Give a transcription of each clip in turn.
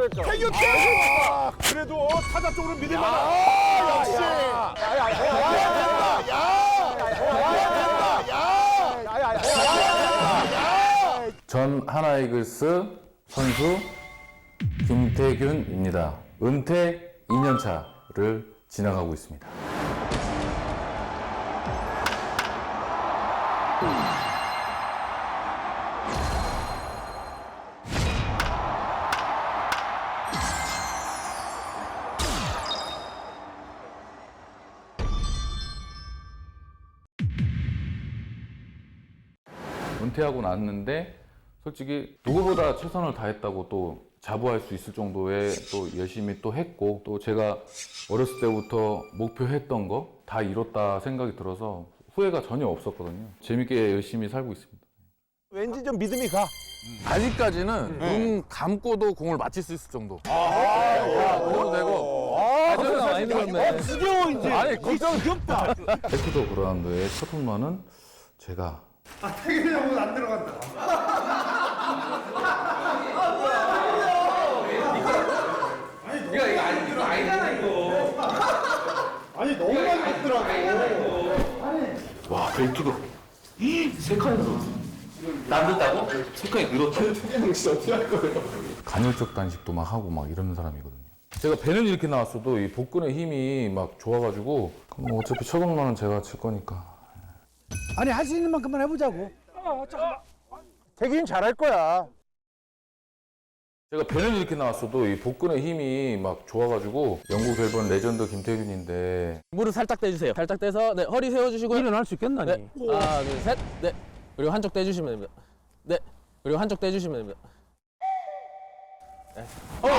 태균 그래도 타자 쪽으로 믿을만한. 역시. 전 하나이글스 선수 김태균입니다. 은퇴 2년차를 지나가고 있습니다. 은퇴하고 났는데 솔직히 누구보다 최선을 다했다고 또 자부할 수 있을 정도의 또 열심히 또 했고, 또 제가 어렸을 때부터 목표했던 거 다 이뤘다 생각이 들어서 후회가 전혀 없었거든요. 재밌게 열심히 살고 있습니다. 왠지 좀 믿음이 가. 아직까지는 눈 감고도 공을 맞힐 수 있을 정도. 그래도 되고. 많이 늘었네. 지겨워 이제. 아니, 걱정 귀엽다. 에크도 그라운드의 첫 홈런은 제가. 태균이 형은 안 들어간다. 이거 아니잖아 이거. 아니 너무 많이 맞더라고. 와, 벨트가 세 칸이 늘었어. 남겼다고? 세 칸이 늘었어. 간헐적 단식도 막 하고 막 이러는 사람이거든요. 제가 배는 이렇게 나왔어도 이 복근의 힘이 막 좋아가지고 뭐 어차피 첫 홈런은 제가 칠 거니까. 아니 할 수 있는 만큼만 해보자고. 태균이 잘할 거야. 제가 배는 이렇게 나왔어도 이 복근의 힘이 막 좋아가지고 영국 벨번 레전드 김태균인데 무릎 살짝 떼주세요. 살짝 떼서 네, 허리 세워주시고요. 일어날 수 있겠나? 네. 하나, 둘, 셋. 네. 그리고 한쪽 떼주시면 됩니다. 네. 그리고 한쪽 떼주시면 됩니다. 네.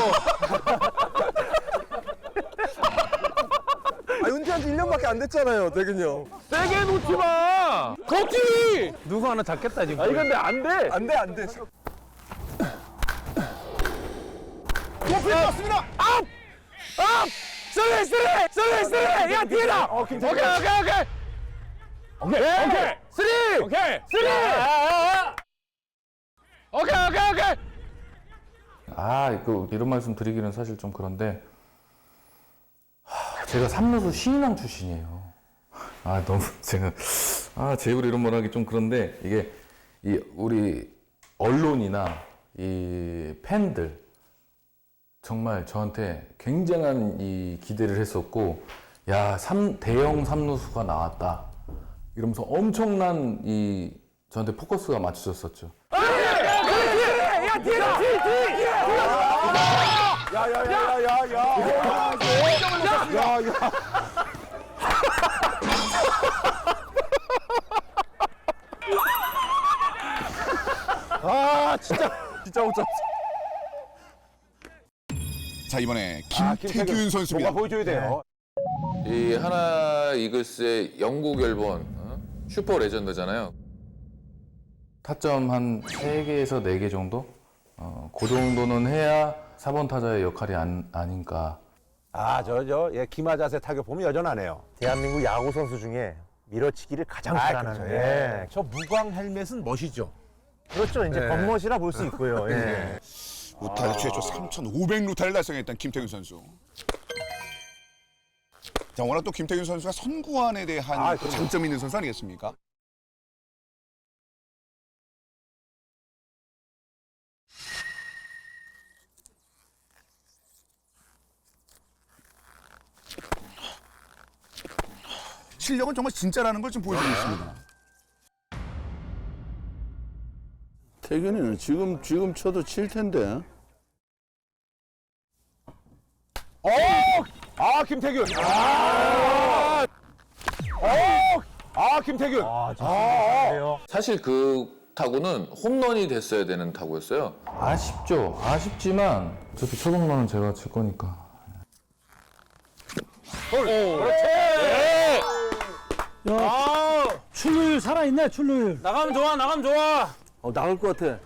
은퇴한 지 1년밖에 안 됐잖아요, 태균이 형. 세게 놓지 마! 걷지! 누구 하나 잡겠다 지금. 아, 이건 근데 안 돼! 안 돼. 높이 떴습니다. 업! 쓰리! 야, 뒤에다! 오케이. 쓰리! 오케이! 이런 말씀 드리기는 사실 좀 그런데 제가 삼루수 신인왕 출신이에요. 너무 제가 제 입으로 이런 말 하기 좀 그런데 이게 우리 언론이나 이 팬들 정말 저한테 굉장한 이 기대를 했었고, 야, 대형 삼루수가 나왔다 이러면서 엄청난 저한테 포커스가 맞춰졌었죠. 야, 뒤에다! 야야야야야. 진짜 못 잡았어. 자 이번에 김태균 선수입니다. 뭔가 보여줘야 돼요. 이 하나 이글스의 영국 앨범 슈퍼 레전드잖아요. 타점 한 3개에서 4개 정도? 그 정도는 해야 4번 타자의 역할이 아닌가. 기마 자세 타격 보면 여전하네요. 대한민국 야구 선수 중에 밀어치기를 가장 잘하는. 그렇죠. 예. 저 무광 헬멧은 멋이죠. 그렇죠. 이제 겉멋이라 볼 수 있고요. 예. 루타를 최초 3,500루타를 달성했던 김태균 선수. 자 워낙 또 김태균 선수가 선구안에 대한 또 장점이 있는 선수 아니겠습니까? 실력은 정말 진짜라는 걸 좀 보여주고 있습니다. 태균이는 지금 쳐도 칠 텐데. 김태균. 김태균. 그래요. 사실 그 타구는 홈런이 됐어야 되는 타구였어요. 아쉽죠. 아쉽지만 어차피 첫 홈런은 제가 칠 거니까. 출루율 살아있네 출루율. 나가면 좋아! 나갈 것 같아.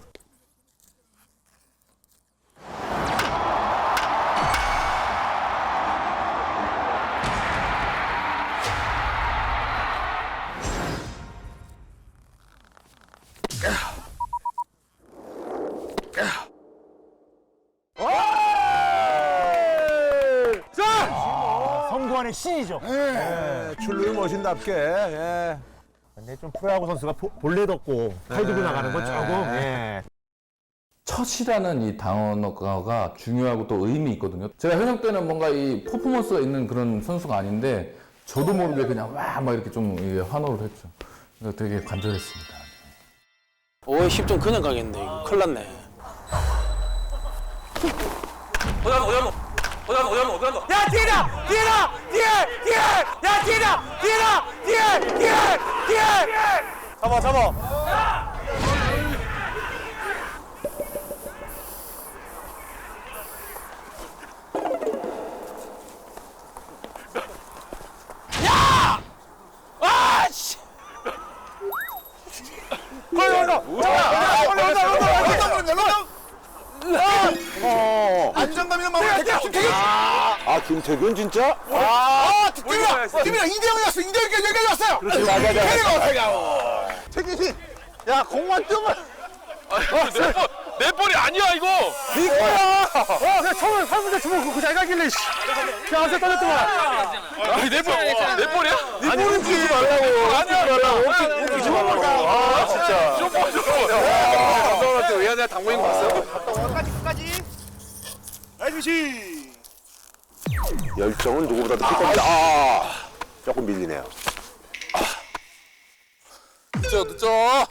야구안의 신이죠. 예, 출루율 멋진답게. 예. 근데 좀 프로야구 선수가 볼넷 없고 팔 들고 나가는 건 조금 예. 첫이라는 이 단어가 중요하고 또 의미 있거든요. 제가 현역 때는 뭔가 이 퍼포먼스가 있는 그런 선수가 아닌데 저도 모르게 그냥 막 이렇게 좀 환호를 했죠. 그래서 되게 간절했습니다. 10점 그냥 가겠는데 이거 큰일 났네. 야 뒤에다 뒤에 야 뒤에다 뒤에 잡아 안정감 있는 마무리. 김태균. 아, 김태균 진짜? 팀이랑 2대0이었어. 2대0 여기까지 왔어요. 태균이. 야, 공만 뜨면. 내 볼이 아니야 이거 네 그냥 처음에 3분대 주먹 그거 잘 가길래 야 안세 떨렸더만. 아니 내 볼이야? 네 볼은 주지 말라고. 아니야 주지 말라고. 아, 진짜. 감독한테 왜 하냐 당구인 거 봤어? 열정은 누구보다도 클 겁니다. 아, 조금 밀리네요. 늦죠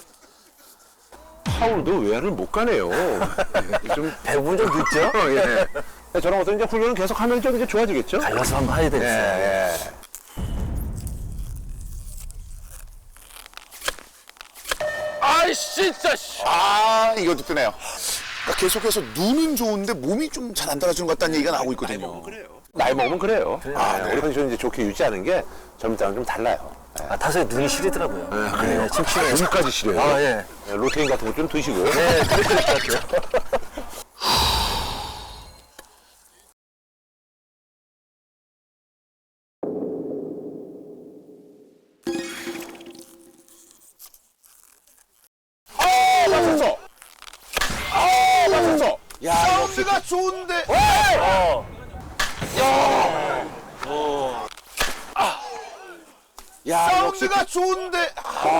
파울도 외야를 못 가네요. 좀 대부분 좀 늦죠? 예. 저런 것들 이제 훈련을 계속 하면 좀 이제 좋아지겠죠? 갈라서 한번 해야 되겠어요. 예. 아이씨 진짜 아, 이것도 뜨네요. 그러니까 계속해서 눈은 좋은데 몸이 좀 잘 안 따라주는 것 같다는 얘기가 나오고 있거든요. 나이 먹으면 그래요. 우리 컨디션 이제 좋게 유지하는 게 젊을 때랑 좀 달라요. 아, 타석에 눈이 시리더라고요. 네, 침침해요. 눈까지 시려요. 아, 예. 로테인 같은 거 좀 드시고. 네, 그럴 것 같아요. 맞췄어. 맞췄어. 야, 사운드가 좋은데. 야, 사운드가 좋은데.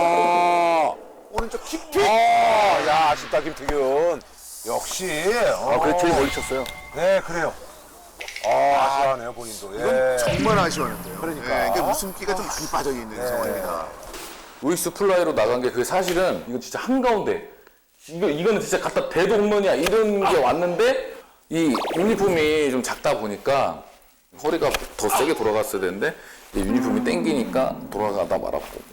오른쪽 킥킥. 야, 아쉽다, 김태균. 역시. 그래, 제일 멀리 쳤어요. 네, 그래요. 아쉬워하네요, 본인도. 예. 정말 아쉬웠는데요. 그러니까. 이게 웃음기가 좀 많이 빠져 있는 상황입니다. 루이스 플라이로 나간 게 그게 사실은 이거 진짜 한가운데 이거는 진짜 갖다 대도 홈런이야 이런 게 왔는데 이 유니폼이 좀 작다 보니까 허리가 더 세게 돌아갔어야 되는데 이 유니폼이 땡기니까 돌아가다 말았고.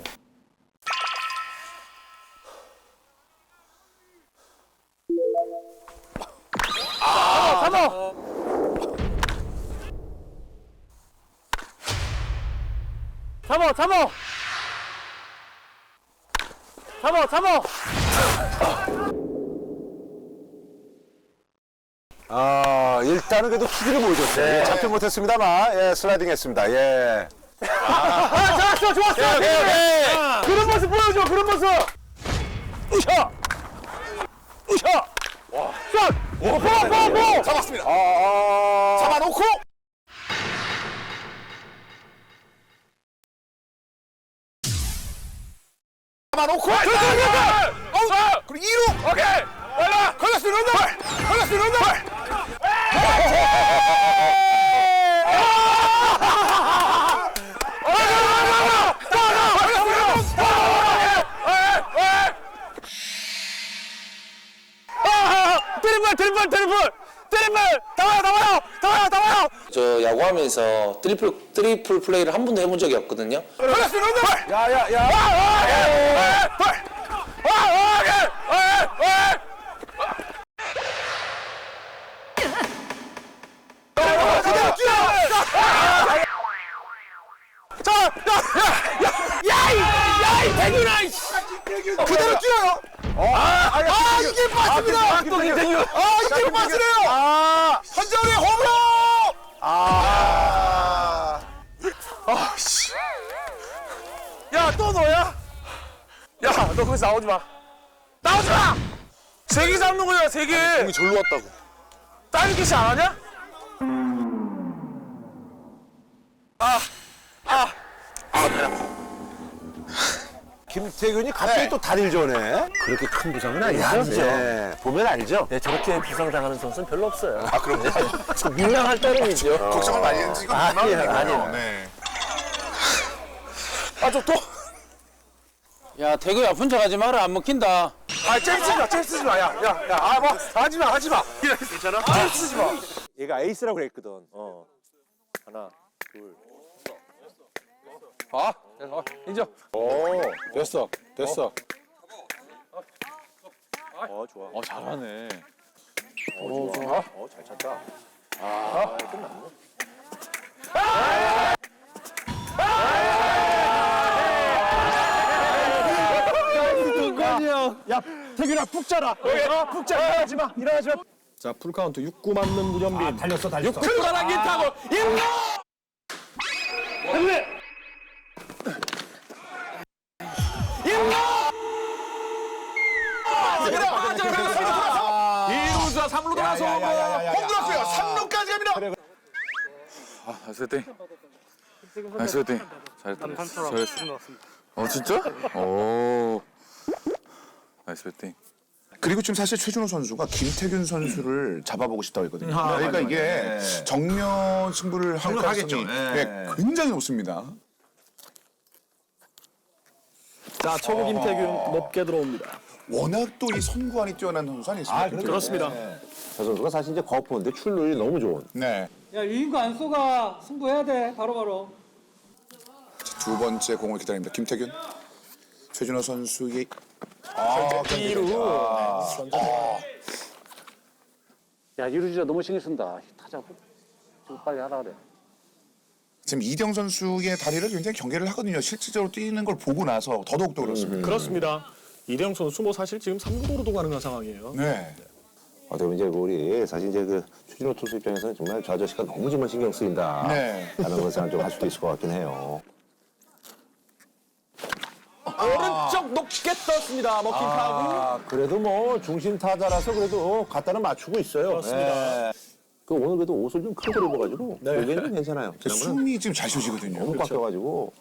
일단은 그래도 투지를 보여줬어요. 잡지 못했습니다만, 예, 슬라이딩 했습니다. 예. 좋았어. 그런 모습 보여줘. 그런 모습. 으쌰. 쏴. 잡았습니다. 아. 잡아놓고. 잡아놓고. 그리고 2루. 오케이 빨라 걸렸어요. 런던. 걸렸어요. 런던. 드리블 나와요 저 야구하면서 트리플 플레이를 한 번도 해본 적이 없거든요. 걸렸어요. 런던. 그대로 뛰어요. 이게 빠집니다. 이게 빠지네요. 한정의 홈으로. 야 또 너야? 야 너 거기서 나오지 마 3개 잡는 거야 3개 공이 절로 왔다고. 다른 캐시 안 하냐? 김태균이 갑자기 또 다리를 저네. 그렇게 큰 부상은 아니죠. 네, 보면 알죠. 네, 저렇게 부상당하는 선수는 별로 없어요. 아, 그럼요. 민망할 따름이죠. 걱정을 많이 했는지 이건 아니에요. 네. 야 태구야 아픈 척하지 마라 안 먹힌다. 잽쓰지 마. 야, 하지 마. 괜찮아? 잽쓰지 마. 얘가 에이스라고 그랬거든. 하나, 둘. 인정. 됐어. 좋아. 잘하네. 좋아. 잘 찼다. 끝났네. 야, 태균아 푹 자라. 푹 자. 일어나지 마. 자, 풀카운트 6구 맞는 문현빈. 달렸어. 출발한 길 타고 이루자 3루 돌아서 홈 들었어요. 3루까지 갑니다. 나이스 배팅. 나이스 배팅. 잘했다. 잘했어. 진짜? 오. 나이스 배팅. 그리고 지금 사실 최준호 선수가 김태균 선수를 잡아보고 싶다고 했거든요. 그러니까 이게 정면 승부를 할 가능성이 굉장히 높습니다. 자, 초구 김태균 높게 들어옵니다. 워낙 또 이 선구안이 뛰어난 선수 아니겠습니까? 그렇습니다. 저 선수가 사실 이제 거포인데 출루율이 너무 좋은. 네. 야 유인구 안 쏘가 승부해야 돼 바로바로. 두 번째 공을 기다립니다. 김태균. 최준호 선수의 2루. 야 이루 진짜 너무 신경 쓴다. 타자 좀 빨리 하라 그래. 지금 이대영 선수의 다리를 굉장히 경계를 하거든요. 실질적으로 뛰는 걸 보고 나서 더더욱더 그렇습니다. 그렇습니다. 이대영 선수 뭐 사실 지금 3루도로도 가능한 상황이에요. 네. 어떻게 보면 이제 우리 사실 이제 그 최준호 투수 입장에서는 정말 저 아저씨가 너무 정말 신경 쓰인다. 네. 라는 것을 좀 할 수도 있을 것 같긴 해요. 오른쪽 높게 떴습니다. 먹힌 타구. 그래도 뭐 중심 타자라서 그래도 갖다는 맞추고 있어요. 그렇습니다. 그 오늘 그래도 옷을 좀 크게 입어가지고 여기는 좀 괜찮아요. 지난번에 숨이 지금 잘 쉬어지거든요. 너무 꽉 껴가지고.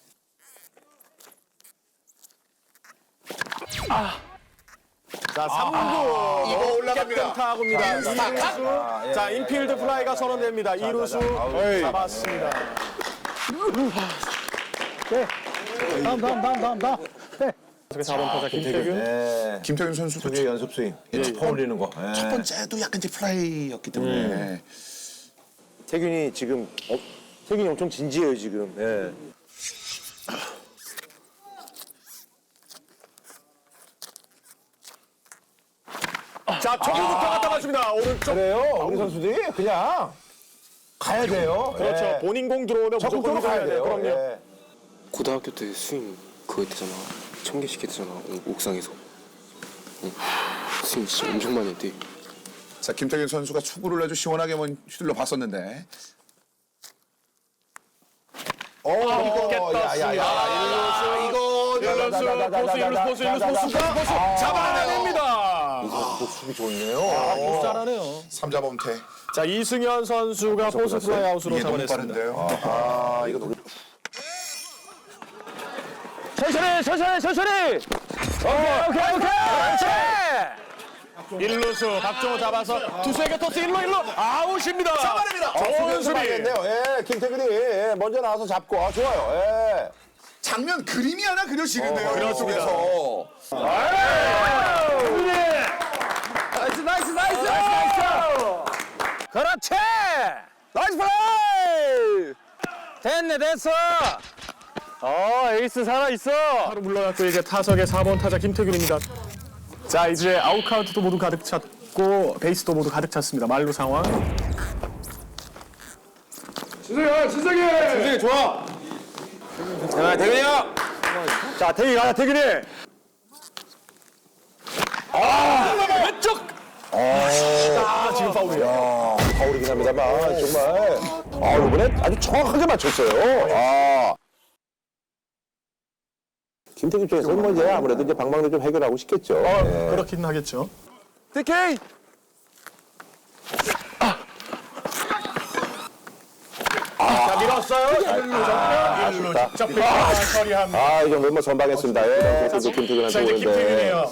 자, 3구. 이거 올라갑니다. 타구입니다. 이루수. 자, 인필드 플라이가 선언됩니다. 이루수 잡았습니다. 다음. 4번 타자 김태균. 네. 김태균 선수도 투수 연습 스윙. 퍼 올리는 거. 첫 번째도 약간 이제 플라이였기 때문에 태균이 지금 태균이 엄청 진지해요 지금. 예. 자, 초구부터 갖다 맞춥니다. 오른쪽. 그래요. 우리 선수들이 그냥 가야 돼요. 그렇죠. 예. 본인 공 들어오면 무조건 적극적으로 가야 돼요. 그럼요. 예. 고등학교 때 스윙 그거 했잖아. 1000개씩 했잖아. 옥상에서. 스윙 진짜 엄청 많이 했대. 자 김태균 선수가 축구를 아주 시원하게 휘둘러 봤었는데 이거 야야야 이거 포수가 잡아냅니다. 이거 수비 좋네요. 잘하네요. 3자 범퇴. 자, 이승현 선수가 포수 플라이 아웃으로 이게 너무 잡아냈습니다. 빠른데요. 이거 천천히. 오케이. 1루수 박종호 잡아서 투수에게 토스 1루 아웃입니다. 잡아냅니다. 좋은 수비. 예, 김태균이 먼저 나와서 잡고 좋아요. 예. 장면 그림이 하나 그려지는데요. 그렇습니다. 속에서. 나이스. 그렇지. 나이스 플레이. 됐어. 에이스 살아있어. 바로 물러났고 이제 타석의 4번 타자 김태균입니다. 자, 이제 아웃 카운트도 모두 가득 찼고 베이스도 모두 가득 찼습니다. 말루 상황. 진석이 좋아. 자, 대근이 형. 자, 태균이 가자, 태균이. 왼쪽. 지금 파울이에요. 파울이긴 합니다만 정말 이번에 아주 정확하게 맞췄어요. 김태균 입장에서는 뭐 이제 아무래도 이제 방망이 좀 해결하고 싶겠죠. 네. 그렇긴 하겠죠. DK. 자, 밀었어요. 아쉽다. 직접 처리합니다. 아, 이 정도면 선방했습니다. 예, 선수 김태균한테 자, 이제 오는데. 김태균이에요.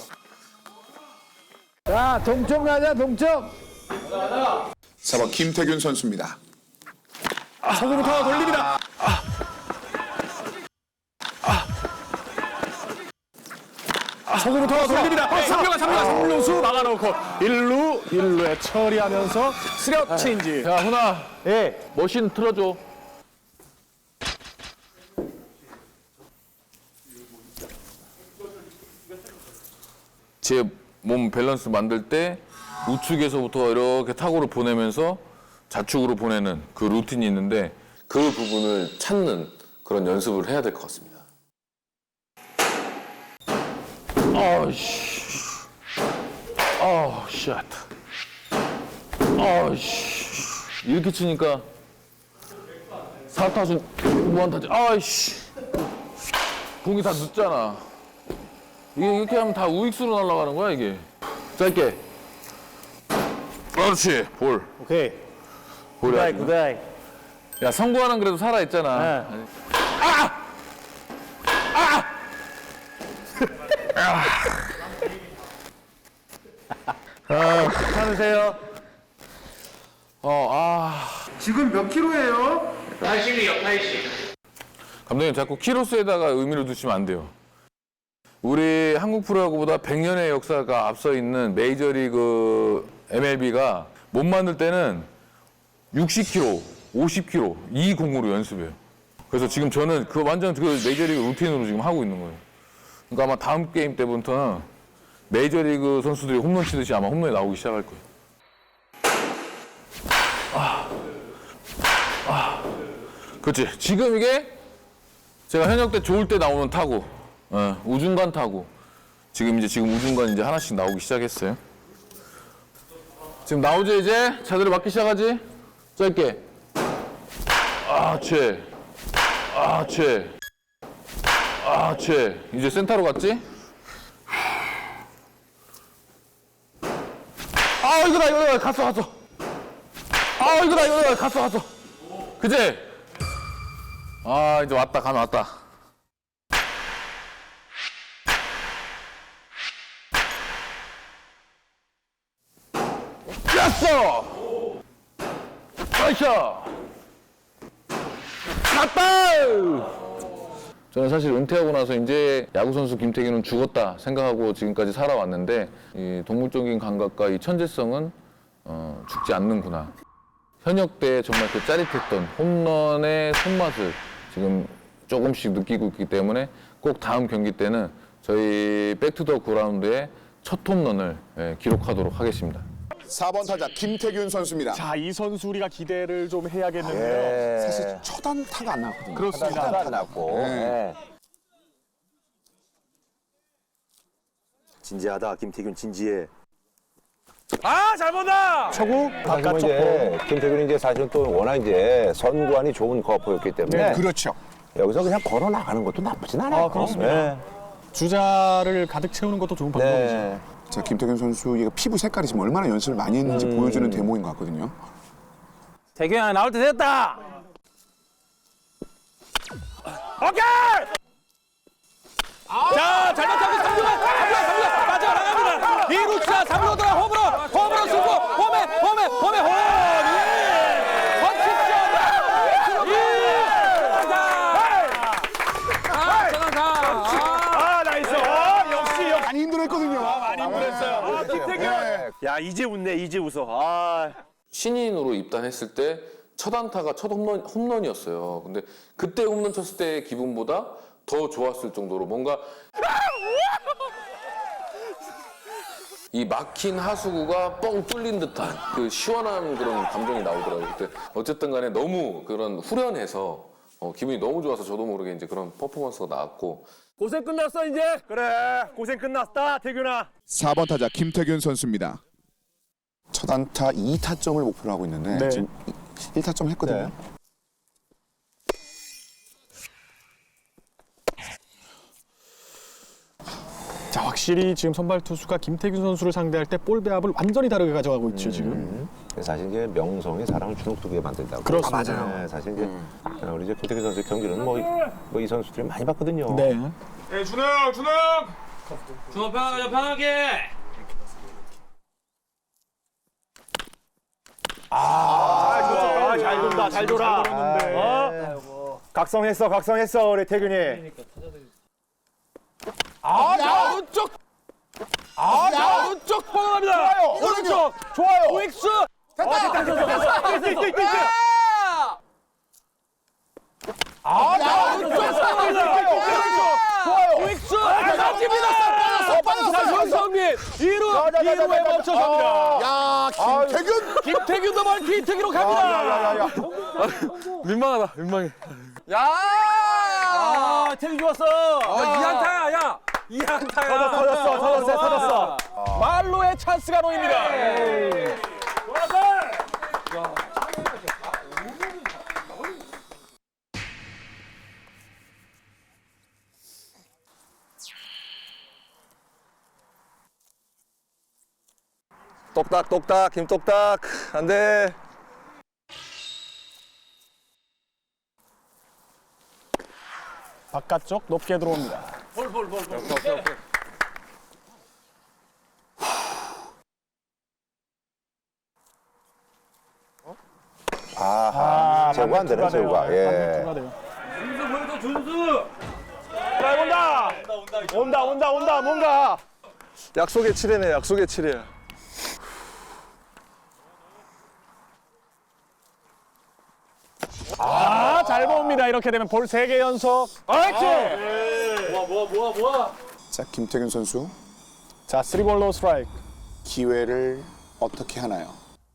자, 동점 가자, 동점. 4번 김태균 선수입니다. 서구부터 돌립니다. 서구부터 돌립니다. 3루가 3루수 막아놓고 1루에 처리하면서 스력 체인지. 야, 훈아. 예. 머신 틀어줘. 제 몸 밸런스 만들 때 우측에서부터 이렇게 타구를 보내면서 좌측으로 보내는 그 루틴이 있는데 그 부분을 찾는 그런 연습을 해야 될 것 같습니다. 아씨. 아, 쉣. 아씨. 이렇게 치니까 사타수 무한타지. 아이씨. 공이 다 늦잖아. 이게 이렇게 하면 다 우익수로 날아가는 거야, 이게. 짧게. 그렇지. 볼. 오케이. 볼이야. 굿아이. 야, 성구하는 그래도 살아있잖아. 네. 괜찮으세요? 지금 몇 킬로예요? 감독님 자꾸 키로수에다가 의미를 두시면 안 돼요. 우리 한국 프로야구보다 100년의 역사가 앞서 있는 메이저리그 MLB가 못 만들 때는 60kg, 50kg 이 공으로 연습해요. 그래서 지금 저는 그 완전 그 메이저리그 루틴으로 지금 하고 있는 거예요. 그러니까 아마 다음 게임 때부터는 메이저리그 선수들이 홈런 치듯이 아마 홈런이 나오기 시작할 거예요. 그렇지. 지금 이게 제가 현역 때 좋을 때 나오는 타구, 우중간 타구. 지금 우중간 이제 하나씩 나오기 시작했어요. 지금 나오죠 이제? 자들이 맞기 시작하지? 짧게. 이제 센터로 갔지? 이거다, 갔어. 이거다, 갔어. 그치? 이제 왔다, 가면 왔다. 였어! 나이스! 갔다! 저는 사실 은퇴하고 나서 이제 야구선수 김태균은 죽었다 생각하고 지금까지 살아왔는데 이 동물적인 감각과 이 천재성은 죽지 않는구나. 현역 때 정말 그 짜릿했던 홈런의 손맛을 지금 조금씩 느끼고 있기 때문에 꼭 다음 경기 때는 저희 백투더 그라운드의 첫 홈런을 기록하도록 하겠습니다. 4번 타자 김태균 선수입니다. 자, 이 선수 우리가 기대를 좀 해야겠는데요. 사실 첫 안타가 안 나왔거든요. 그렇습니다. 안 났고. 네. 진지하다, 김태균 진지해. 잘 본다. 초구 바깥쪽 이제 김태균이 이제 사실은 또 워낙 이제 선구안이 좋은 거포였기 때문에 그렇죠. 여기서 그냥 걸어 나가는 것도 나쁘진 않아요. 그렇습니다. 주자를 가득 채우는 것도 좋은 방법이죠. 네. 자, 김태균 선수의 피부 색깔이 지금 얼마나 연습을 많이 했는지 보여주는 대목인 것 같거든요. 태균아, 나올 때 됐다. 오케이. 자, 잘 맞춰서 3루가 빠져나갑니다. 2루차 3루로 돌아 홈으로 쓰고 홈에 홈. 많이 힘들었거든요. 많이 힘들었어요. 김태균. 야, 이제 웃네, 이제 웃어. 신인으로 입단했을 때 첫 안타가 첫 홈런이었어요. 근데 그때 홈런 쳤을 때의 기분보다 더 좋았을 정도로 뭔가 이 막힌 하수구가 뻥 뚫린 듯한 그 시원한 그런 감정이 나오더라고요. 그때 어쨌든 간에 너무 그런 후련해서 기분이 너무 좋아서 저도 모르게 이제 그런 퍼포먼스가 나왔고 고생 끝났어, 이제. 그래, 고생 끝났다, 태균아. 4번 타자 김태균 선수입니다. 첫 안타 2타점을 목표로 하고 있는데 네. 지금 1타점 했거든요. 자, 확실히 지금 선발 투수가 김태균 선수를 상대할 때 볼 배합을 완전히 다르게 가져가고 있죠, 지금. 사실 이제 명성이 사람을 주눅들게 만든다고. 그렇습니다. 맞아요. 사실 이제 우리 이제 김태균 선수 경기는 뭐 이 선수들이 많이 봤거든요. 네. 준호 편하게 편하게. 잘 돈다, 잘 돌아. 각성했어, 우리 태균이. 오른쪽. 오른쪽 뻗어갑니다. 오른쪽. 좋아요. 우익수. 됐다. 우익수. 빠집니다. 손성민 2루에 멈춰섭니다. 야, 김태균. 김태균도 멀티히트기로 갑니다. 민망하다, 민망해. 태균 좋았어. 2안타야, 야. 2안타야. 터졌어. 말로의 찬스가 놓입니다. 똑딱 김똑딱 안돼. 바깥쪽 높게 들어옵니다. 아하. 제구가 안 되네, 제구가. 예. 추가돼요. 온다, 뭔가. 약속의 7회네 약속의 7회. 잘 봅니다. 이렇게 되면 볼 3개 연속. 자, 김태균 선수 자, 3볼 노 스트라이크. 기회를 어떻게 하나요?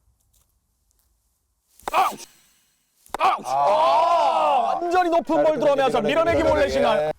완전히 높은 볼 들어오면서 밀어내기 몰래 신화.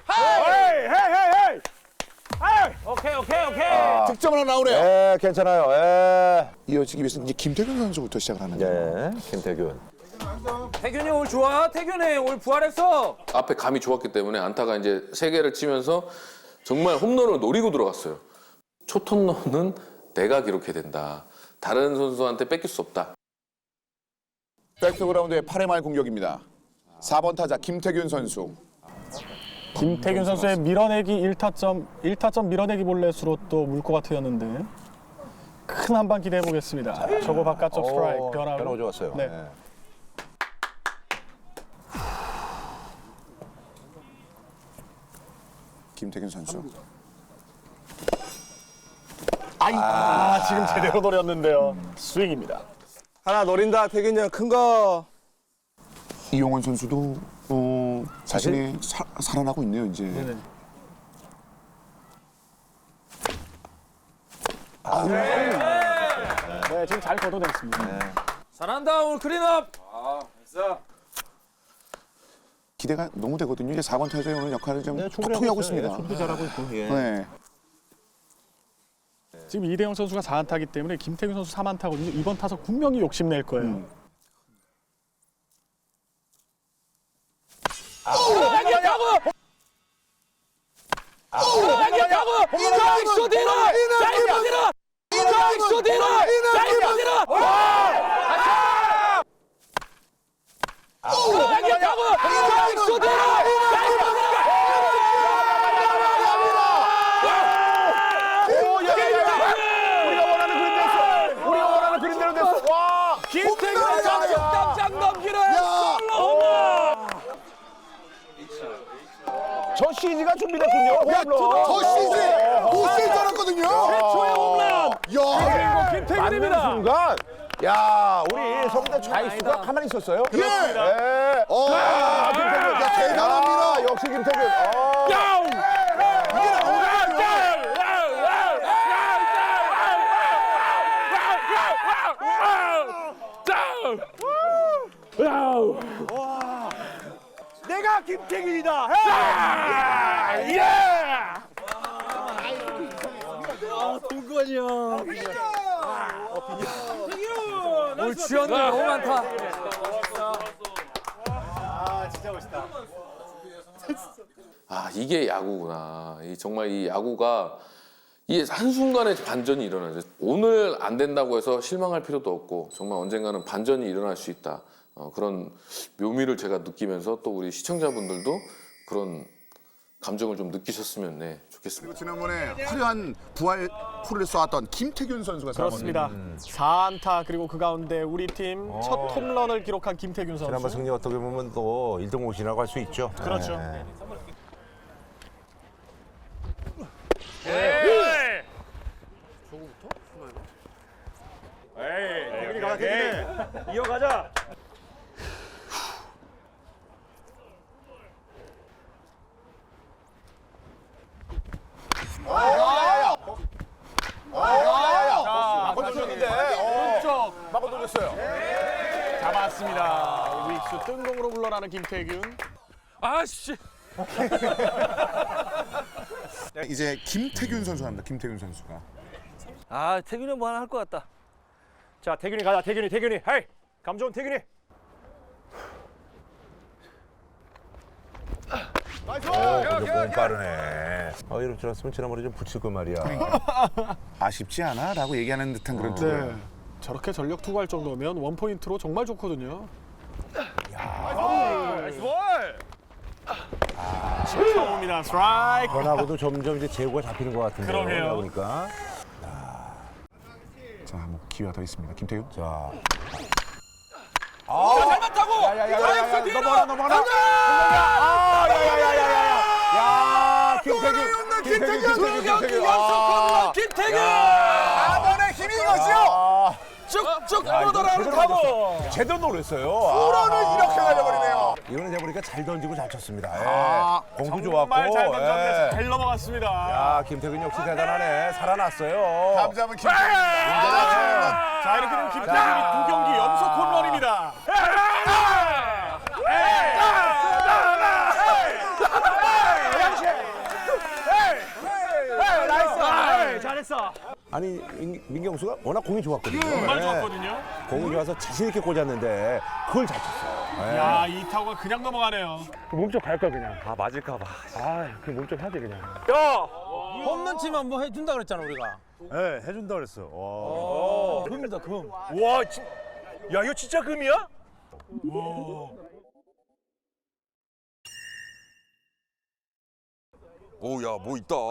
오케이. 득점 하나 나오네요. 예, 괜찮아요. 예. 이어지기 위해서 이제 김태균 선수부터 시작을 하는데. 예, 김태균. 태균이 오늘 좋아. 태균이 오늘 부활했어. 앞에 감이 좋았기 때문에 안타가 이제 3개를 치면서 정말 홈런을 노리고 들어갔어요. 초톤런은 내가 기록해야 된다. 다른 선수한테 뺏길 수 없다. 백투그라운드의 8회 말 공격입니다. 4번 타자 김태균 선수. 김태균 선수의 밀어내기 1타점 밀어내기 볼넷으로 또 물 것 같았는데 큰 한 방 기대해 보겠습니다. 저거 바깥쪽 스트라이크 변화가 변화고. 좋았어요. 네. 예. 김태균 선수. 지금 제대로 노렸는데요. 스윙입니다. 하나 노린다 태균이 형 큰 거. 이용원 선수도 자신이 살아나고 있네요, 이제. 네, 지금 잘 걷어냈습니다. 잘한다 오늘 클린업. 기대가 너무 되거든요. 이제 4번 타자의 오늘 역할을 좀 톡톡히 하고 있습니다. 수비도 잘하고 있고. 예. 네. 지금 이대영 선수가 4안타이기 때문에 김태균 선수 3안타거든요. 이번 타석 분명히 욕심낼 거예요. 좌익수 뒤로! 좌익수 뒤로! 좌익수 뒤로! 좌익수 뒤로! 좌익수 뒤로! 우리가 원하는 그림대로 됐어. 와! 김태균의 장독담장 넘기는 솔로 홈런! 저 CG가 준비됐군요. 저 시즌 못 쓸 줄 알았거든요. 최초의 홈런! 야, 김태균입니다. 순간, 야, 우리 성대 좌익수가 가만히 있었어요. 예. 예. 김태균, 야, 대단합니다. 역시 김태균. 내가 김태균이다. 오늘 주연들 너무 많다. 아 이게 야구구나. 정말 이 야구가 이게 한순간에 반전이 일어나죠. 오늘 안 된다고 해서 실망할 필요도 없고 정말 언젠가는 반전이 일어날 수 있다. 그런 묘미를 제가 느끼면서 또 우리 시청자분들도 그런 감정을 좀 느끼셨으면 좋겠습니다. 그리고 지난번에 화려한 부활 홀을 쏘았던 김태균 선수가 그렇습니다. 4안타 그리고 그 가운데 우리 팀 첫 홈런을 기록한 김태균 선수. 지난번 승리 어떻게 보면 또 1등 공신이라고 할 수 있죠. 그렇죠. 네. 태균이 가자, 태균이. 이어가자. 마고 돌렸는데. 오른쪽. 마고 돌렸어요. 잡았습니다. 우익수 뜬공으로 물러나는 김태균. 아씨. 이제 김태균 선수가 합니다. 김태균 선수가. 아, 태균이 뭐 하나 할 것 같다. 자, 태균이 가자, 태균이. 헤이, 감 좋은 태균이. 근데 공 빠르네. 이럴 줄 알았으면 지난번에 좀 붙일 거 말이야. 아쉽지 않아? 라고 얘기하는 듯한 그런 네. 투구예요. 저렇게 전력 투구할 정도면 원포인트로 정말 좋거든요. 나이스 볼. 처음입니다. 스트라이크. 변하고도 점점 이제 제구가 잡히는 것 같은데. 그러게요. 보니까. 자, 뭐 기회가 더 있습니다. 김태균. 자. 잘 맞다고. 야야야야야. 넘어가라. 야, 김태균. 경기 연속 홈런 김태균. 아번의 힘이 이것이요. 쭉쭉 뻗어나가는 타고. 제대로 놀랐어요. 홈런을 이렇게 날려버리네요. 이거는 제가 보니까 잘 던지고 잘 쳤습니다. 공도 좋았고. 정말 잘 던졌는데 잘 넘어갔습니다. 야, 김태균 역시 대단하네. 살아났어요. 다음 잡은 김태균. 자, 이렇게 되면 김태균이 2경기 연속 홈런입니다. 나이스. 잘했어. 아니, 민경수가 워낙 공이 좋았거든요. 정말 좋았거든요. 공이 좋아서 자신 있게 꽂았는데 그걸 잘 쳤어요. 야, 이 타구가 그냥 넘어가네요. 몸쪽 갈 거야 그냥. 아, 맞을까 봐. 그 몸쪽 해야 돼 그냥. 야! 홈런 치면 뭐 해준다 그랬잖아 우리가. 네, 해준다 그랬어. 금이다 금. 와, 야, 이거 진짜 금이야? 오, 야, 뭐 있다.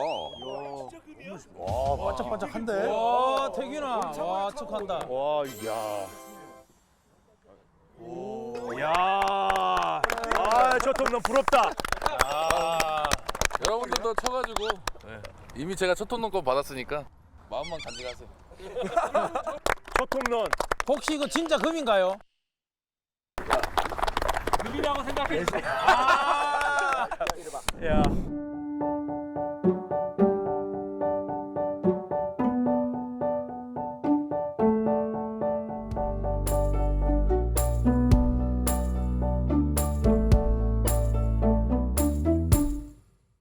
반짝반짝한데? 와 태균아, 와 척한다. 와, 야. 저 톱넌 부럽다. 여러분들도 쳐가지고 이미 제가 첫 홈런권 받았으니까 마음만 간직하세요. 저 톱넌. 혹시 이거 진짜 금인가요? 금이라고 생각해. 야.